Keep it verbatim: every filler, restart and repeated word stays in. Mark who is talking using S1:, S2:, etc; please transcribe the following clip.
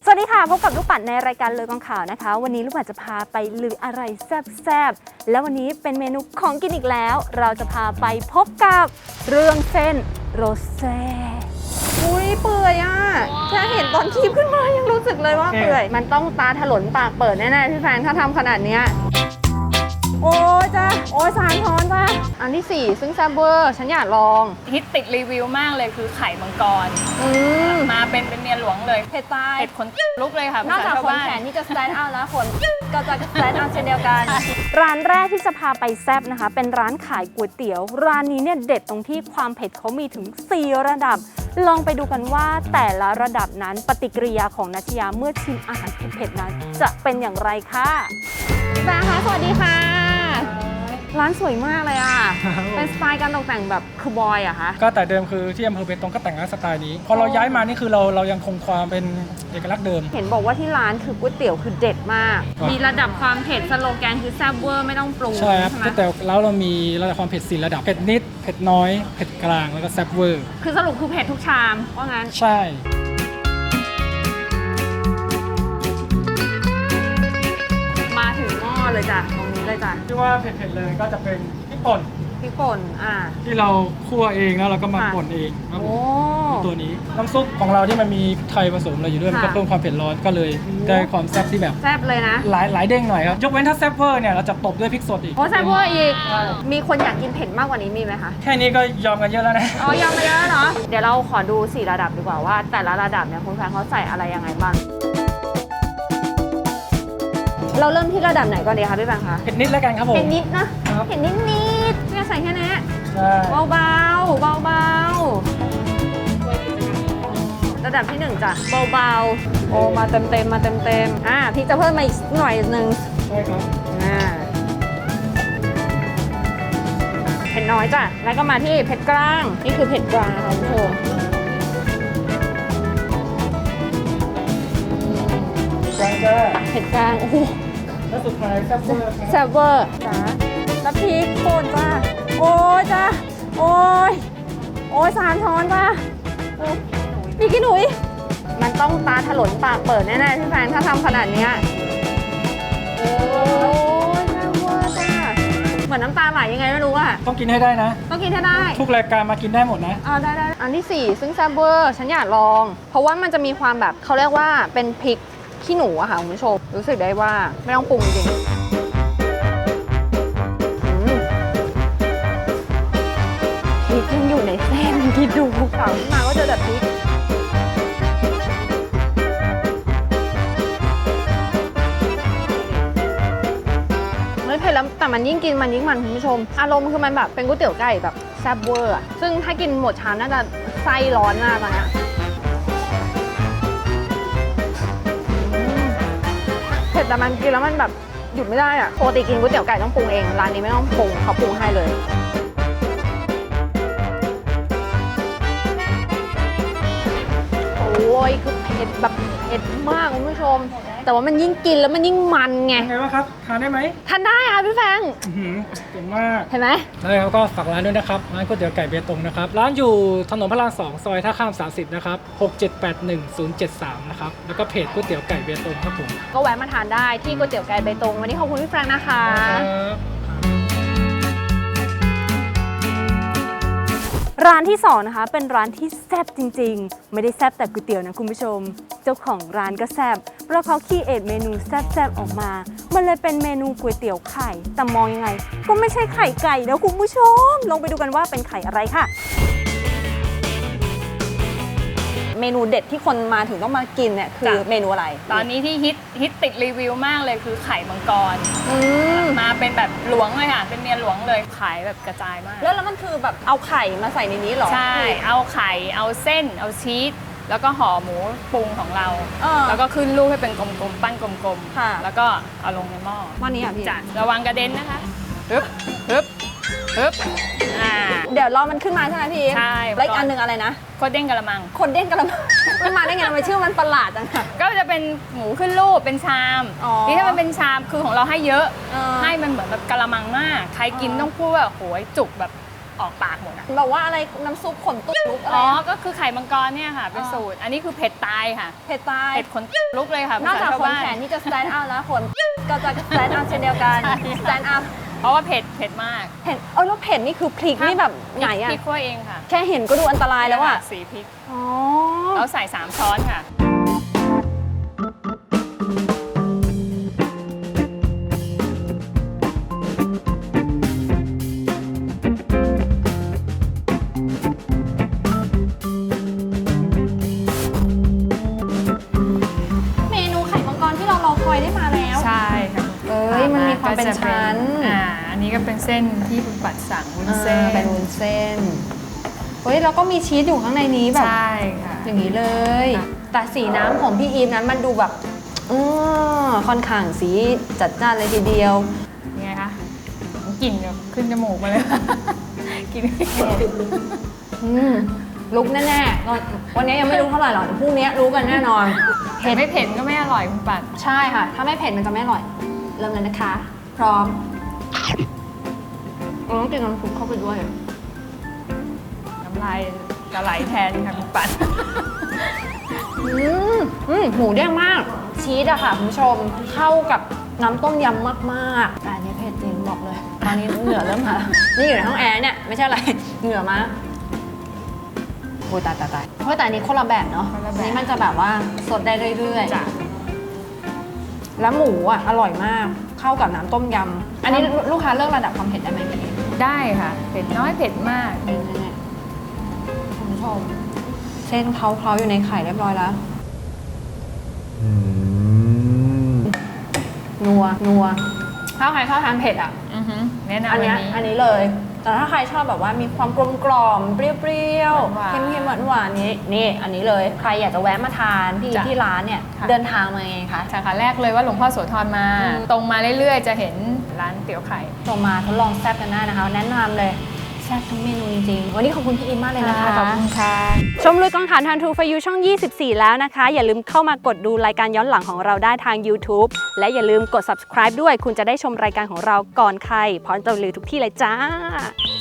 S1: วัสดีค่ะพบกับลูกปัดในรายการเลยกองข่าวนะคะวันนี้ลูกปัดจะพาไปลืออะไรแซ่บๆแล้ววันนี้เป็นเมนูของกินอีกแล้วเราจะพาไปพบกับเรื่องเส้นโรเซ่อุ้ยเปื่อยอ่ะแค่เห็นตอนคีบขึ้นมายังรู้สึกเลยว่าเปื่อยมันต้องตาถลนปากเปิดแน่ๆพี่แฟนถ้าทำขนาดนี้โอ้ยจ้าโอ้ยสารท้อนจ้าอันที่สี่ซึ่งแซ่บเวอร์ฉันอยากลอง
S2: ฮิตติดรีวิวมากเลยคือไข่มังกรมาเป็นเป็นเมียหลวงเลย
S1: เผ็ดตาย
S2: เผ็ดขนลุกเลยค่ะ
S1: นอกจากขนแขนนี่จะสแตนด์เอาท์แล้วขนก็จะสแตนด์เอาท์เช่นเดียวกันร้านแรกที่จะพาไปแซ่บนะคะเป็นร้านขายก๋วยเตี๋ยวร้านนี้เนี่ยเด็ดตรงที่ความเผ็ดเขามีถึงสี่ระดับลองไปดูกันว่าแต่ละระดับนั้นปฏิกิริยาของนัชยาเมื่อชิมอาหารเผ็ดๆนั้นจะเป็นอย่างไรค่ะแฟนคะสวัสดีค่ะร้านสวยมากเลยอ่ะ เป็นสไตล์การตกแต่งแบบคาวบอยอะคะ
S3: ก็แต่เดิมคือที่อำเภอเบตงก็แต่งร้านสไตล์นี้พอเราย้ายมานี่คือเราเรายังคงความเป็นเอกลักษณ์เดิม
S1: เห็นบอกว่าที่ร้านคือก๋วยเตี๋ยวคือเด็ดมากมีระดับความเผ็ดสโลแกนคือแซ่บเวอร์ไม่ต้องปรุง
S3: ใช่ครับก๋วยเตี๋ยวแล้วเรามีระดับความเผ็ดสี่ระดับเผ็ดนิดเผ็ดน้อยเผ็ดกลางแล้วก็แซ่บเวอร์
S1: คือสรุปคือเผ็ดทุกชามว่างั้น
S3: ใช่
S1: มาถึงหม้อเลยจ้ะตรงนี้เลยจ้ะ
S3: ที่ว่าเผ็ดๆเลยก็จะเป็นพริกป่น
S1: พริกป่นอ่า
S3: ที่เราคั่วเองแล้วเราก็มาป่นเองครับผมตัวนี้น้ำซุปของเราที่มันมีไทยผสมอะไรอยู่ด้วยมันก็เพิ่มความเผ็ดร้อนก็เลยได้ความแซ่บที่แบบ
S1: แซ่บเลยนะ
S3: หลายหลายเด้งหน่อยครับยกเว้นถ้าแซ่บเวอร์เนี่ยเราจะตบด้วยพริกสดอีก
S1: โอ้แซ่บเวอร์อีกมีคนอยากกินเผ็ดมากกว่านี้มีไหมคะ
S3: แค่นี้ก็ยอมกันเยอะแล้วนะ
S1: อ๋อยอมกันเยอะเนาะเดี๋ยวเราขอดูสี่ระดับดีกว่าว่าแต่ละระดับเนี่ยคุณแฟนเขาใส่อะไรยังไงบ้างเราเริ่มที่ระดับไหนก่อนดีคะพี่แบงค์คะ
S3: เผ็ดนิดแล้วกันครับผม
S1: เผ็ดนิดนะเผ็ดนิดนิดเนี่ยใส่แค่นี้เบาเบาเบาเบาระดับที่หนึ่งจ้ะเบาเบาโอ้มาเต็มเต็มมาเต็มเต็มอ่าพี่จะเพิ่มมาอีกหน่อยหนึ่ง
S3: ใช่ครับ
S1: อ่าเผ็ดน้อยจ้ะแล้วก็มาที่เผ็ดกลางนี่คือเผ็ดกลางค่ะคุณผู้ชม
S3: กลางจ้า
S1: เผ็ดกลางโอ้โห
S3: แล้วสุดท้ายแซ่บเวอร์
S1: แซ่บเวอร์จ้าแล้วพริกป่นจ้าโอ้ยจ้าโอ้ยโอ้ยสามช้อนจ้าพี่กินหนุ่ยมันต้องตาถลนปากเปิดแน่ๆพี่แฟนถ้าทำขนาดนี้โอ้ยแซ่บเวอร์จ้าเหมือนน้ำตาไหลยังไงไม่รู้อะ
S3: ต้องกินให้ได้นะ
S1: ต้องกินให้ได้
S3: ทุกรายการมากินได้หมดนะ
S1: อ๋อได้ได้อันที่สี่ซึ่งแซ่บเวอร์ฉันอยากลองเพราะว่ามันจะมีความแบบเขาเรียกว่าเป็นพริกขี้หนูอะค่ะคุณผู้ชมรู้สึกได้ว่าไม่ต้องปรุงจริงพริกยังอยู่ในเส้นที่ดูข่าวขึ้นมาก็เจอแต่พริกไม่เผ็ดแล้วแต่มันยิ่งกินมันยิ่งมันคุณผู้ชมอารมณ์คือมันแบบเป็นก๋วยเตี๋ยวไก่แบบแซ่บเวอร์ซึ่งถ้ากินหมดชามน่าจะไส้ร้อนมากตอนนี้เผ็ดแต่มันกินแล้วมันแบบหยุดไม่ได้อะปกติกินก๋วยเตี๋ยวไก่ต้องปรุงเองร้านนี้ไม่ต้องปรุงเขาปรุงให้เลยโอ้ยคือเผ็ดแบบเผ็ดมากคุณผู้ชมแต่ว่ามันยิ่งกินแล้วมันยิ่งมันไง
S3: ไงวะครับทานได้ไหม
S1: ทานได้ค่ะพี่แฟง
S3: เก่งมาก
S1: เห็นไหม
S3: แล้วเราก็ฝากร้านด้วยนะครับร้านก๋วยเตี๋ยวไก่เบตงนะครับร้านอยู่ถนนพระรามสองซอยท่าข้ามสามสิบนะครับหกเจ็ดแปดหนึ่งศูนย์เจ็ดสามนะครับแล้วก็เพจก๋วยเตี๋ยวไก่เบตงครับผม
S1: ก็แวะมาทานได้ที่ก๋วยเตี๋ยวไก่เบตงวันนี้ขอบคุณพี่แฟงนะคะร้านที่สองนะคะเป็นร้านที่แซ่บจริงๆไม่ได้แซ่บแต่ก๋วยเตี๋ยวนะคุณผู้ชมเจ้าของร้านก็แซ่บเพราะเขาคีเอทเมนูแซ่บๆออกมามันเลยเป็นเมนูก๋วยเตี๋ยวไข่แต่มองยังไงก็ไม่ใช่ไข่ไก่นะคุณผู้ชมลองไปดูกันว่าเป็นไข่อะไรค่ะเมนูเด็ดที่คนมาถึงต้องมากินเนี่ยคือเมนูอะไร
S2: ตอนนี้ที่ฮิตฮิตติดรีวิวมากเลยคือไข่มังกรมาเป็นแบบหลวงเลยค่ะเป็นเมียหลวงเลยขายแบบกระจายมาก
S1: แล้วแล้วมันคือแบบเอาไข่มาใส่ในนี้หรอ
S2: ใช่เอาไข่เอาเส้นเอาชีสแล้วก็ห่อหมูปรุงของเราแล้วก็ขึ้นรูปให้เป็นกลมๆปั้นกลมๆแล้วก็เอาลงในหม้อ
S1: วันนี้อ่ะพี่
S2: จัดระวังกระเด็นนะคะปึ๊บปึ๊บปึ๊บอ่า
S1: เดี๋ยวรอมันขึ้นมาใช่ไหมพี่
S2: ใช่
S1: แล้วอีกอันหนึ่งอะไรนะ
S2: โคตรเด้งกะละมัง
S1: โคตรเด้งกะละมังมันมาได้ไงทำไมชื่อมันประหลาดจังค่ะ
S2: ก็จะเป็นหมูขึ้นรูปเป็นชามนี่ถ้ามันเป็นชามคือของเราให้เยอะให้มันเหมือนแบบกะละมังมากใครกินต้องพูดว่าโหยจุกแบบออกปากหมดอะ
S1: บอกว่าอะไรน้ำซุปขนตุ๊กลุกอะไร
S2: อ๋อ
S1: นะ
S2: ก็คือไข่มังกรเนี่ยค่ะ เป็นสูตร อันนี้คือเผ็ดตายค่ะ
S1: เผ็ดตาย
S2: เผ็ดขนลุกเลยค่ะ
S1: นอกจาก
S2: ภษชว
S1: ขน
S2: บ้
S1: แขนที่จะ stand out แล้วขนก็จะ stand out เช่นเดียวกัน
S2: ใช่
S1: stand up
S2: เพราะว่าเผ็ดเผ็ดมาก
S1: เผ็ดเออแล้วเผ็ดนี่คือพริกนี่แบบไหนอะ
S2: พริกคั่วเองค่ะ
S1: แค่เห็นก็ดูอันตรายแล้วอะ
S2: สีพริก
S1: อ๋อ
S2: เราใส่สามช้อนค่ะ
S1: เมนูไข่มังกรที่เรารอคอยได้มาแล้ว
S2: ใช่ค่ะ
S1: เอ้ยมันมีความเป็น
S2: ก็จะ
S1: ชั้น
S2: อ่า อันนี้ก็เป็นเส้นที่คุณปัดสั่งวุ้น
S1: อ่า
S2: เส้น
S1: เป็นวุ้นเส้นเฮ้ยแล้วก็มีชีสอยู่ข้างในนี้แบบ
S2: ใช่ค่ะ
S1: อย่างนี้เลย
S2: ค่ะ
S1: แต่สีน้ำของพี่อีฟนั้นมันดูแบบออค่อนข้างสีจัดจ้านเลยทีเดียว
S2: ยังไงคะกลิ่นแบบขึ้นจมูกมาเลย กลิ่น
S1: อืมลุกแน่ๆก็วันนี้ยังไม่รู้เท่าไหร่หรอกแต่พรุ่งนี้รู้กันแน่นอน
S2: เผ็ดไม่เผ็ดก็ไม่อร่อยคุณปัด
S1: ใช่ค่ะ ถ้าไม่เผ็ดมันจะไม่อร่อย เริ่มเลยนะคะ พร้อมเราต้องกินน้ำซุปเข้าไปด้วย
S2: น้ำลายจะไหลแทนค่ะคุณปัด
S1: อืมอืมหมูเด้งมาก ชีสอะค่ะคุณผู้ชมเข้ากับน้ำต้มยำมากๆแต่อันนี้เผ็ดจริงบอกเลย ตอนนี้เหงื่อเริ่มมาแล้วนี่อยู่ในห้องแอร์เนี่ยไม่ใช่อะไร เหงื่อมากโอ้ยตายตายตายเพราะแต่อันนี้คนละแบบเนาะ
S2: คนละแบบ
S1: อันนี้มันจะแบบว่าสดได้เรื่อย
S2: จ้ะ
S1: ๆแล้วหมูอะอร่อยมากเข้ากับน้ำต้มยำอันนี้ลูกค้าเลือกระดับความเผ็ดได้ไหมพี่
S2: ได้ค่ะ เผ็ดน้อยเผ็ดมาก
S1: นี่นี่คุณผู้ชมเส้นเขาเขาอยู่ในไข่เรียบร้อยแล้วนัวนัวถ้าใครชอบทานเผ็ดอ่ะ
S2: อือหือแนะนำ
S1: อั
S2: อั
S1: น
S2: น
S1: เนี้ย
S2: นี้
S1: อันนี้เลย แต่ถ้าใครชอบแบบว่ามีความกลมกล่อมเปรี้ยว
S2: หวาน
S1: ๆ
S2: ๆ
S1: เค็มๆหวานหวานๆนี้นี่อันนี้เลย ใครอยากจะแวะมาทานที่
S2: จ้ะ
S1: ที่ร้านเนี่ย
S2: ค่ะ
S1: เดินทางมาไงคะ
S2: สาขาแรกเลยว่าหลวงพ่อโสธรมา
S1: อืม
S2: ตรงมาเรื่อยๆ จะเห็นร้านเตี๋ยวไข่
S1: ส่งมาทดลองแซ่บกันได้นะคะ แนะนำเลยแซ่บทุกเมนูจริงๆวันนี้ขอบคุณพี่อิมมากเลยนะคะ
S2: ขอบคุณค่ะ
S1: ชมลุยกองถ่านทันทูฟยูช่อง ยี่สิบสี่ แล้วนะคะ อย่าลืมเข้ามากดดูรายการย้อนหลังของเราได้ทาง YouTube และอย่าลืมกด subscribe ด้วย คุณจะได้ชมรายการของเราก่อนใครพร้อมจะรีวิวทุกที่เลยจ้า